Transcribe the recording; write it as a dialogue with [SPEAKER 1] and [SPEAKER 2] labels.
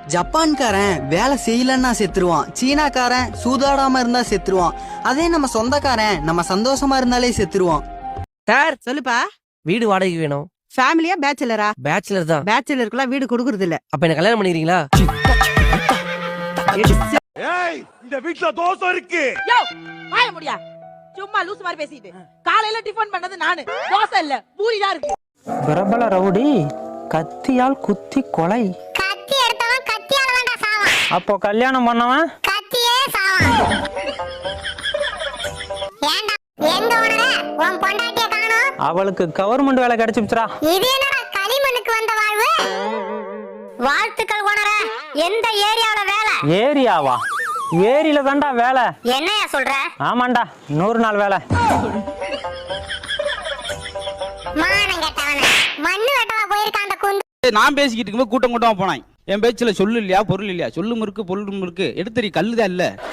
[SPEAKER 1] ஜப்பான்காரன் வேலை செய்யலன்னா செத்துருவான், சீனாக்காரன் சூதாடாம இருந்தா செத்துருவான், அதே நம்ம சொந்தக்காரன் நம்ம சந்தோஷமா இருந்தாலே செத்துருவான்.
[SPEAKER 2] சார்
[SPEAKER 3] சொல்லுப்பா.
[SPEAKER 2] வீடு வாடகைக்கு வேணும்.
[SPEAKER 3] ஃபேமிலியா பேச்சுலரா?
[SPEAKER 2] பேச்சுலர் தான்.
[SPEAKER 3] பேச்சுலருக்குலாம் வீடு கொடுக்கறது இல்ல.
[SPEAKER 2] அப்ப என்ன கல்யாணம் பண்ணிக்கிறீங்களா?
[SPEAKER 4] ஏய், இந்த வீட்ல தோசை இருக்கு.
[SPEAKER 5] யோ வாய முடியா, சும்மா லூஸ் மாதிரி பேசிட்டு. காலையில டிஃபன் பண்ணது நானு, தோசை இல்ல பூரி தான் இருக்கு.
[SPEAKER 6] பிரபல ரவுடி கத்தியால் குத்தி கொலை.
[SPEAKER 7] கத்தி எடுத்தவன் கத்தியால வேண்டா சாவான்.
[SPEAKER 6] அப்போ கல்யாணம் பண்ணவன்
[SPEAKER 7] கத்தியே சாவான். ஏண்டா எங்க ஓனர உன் பொண்டாட்டிய காணோம்?
[SPEAKER 6] அவளுக்கு கவர்மெண்ட் வேலை கிடைச்சிருச்சுடா.
[SPEAKER 7] இது என்னடா களிமண்ணுக்கு வந்த வாழ்வு? வாழ்த்துக்கள் ஓனர. எந்த ஏரியாவுல வேலை?
[SPEAKER 6] ஏரியாவா? ஏரியில தான்டா வேலை.
[SPEAKER 7] என்னையா சொல்ற?
[SPEAKER 6] ஆமாண்டா, 100 நாள் வேலை.
[SPEAKER 7] மானம் கெட்டவன, மண்ணு வெட்டவா போயிருக்கான் அந்த குந்து.
[SPEAKER 8] நான் பேசிக்கிட்டு இருக்கும்போது கூட்டம் கூட்டமா போனான். என் பேச்சுல சொல்லு இல்லையா பொருள் இல்லையா, சொல்லும் இருக்கு பொருளும் இருக்கு, எடுத்தறி கல்லுதான் இல்ல.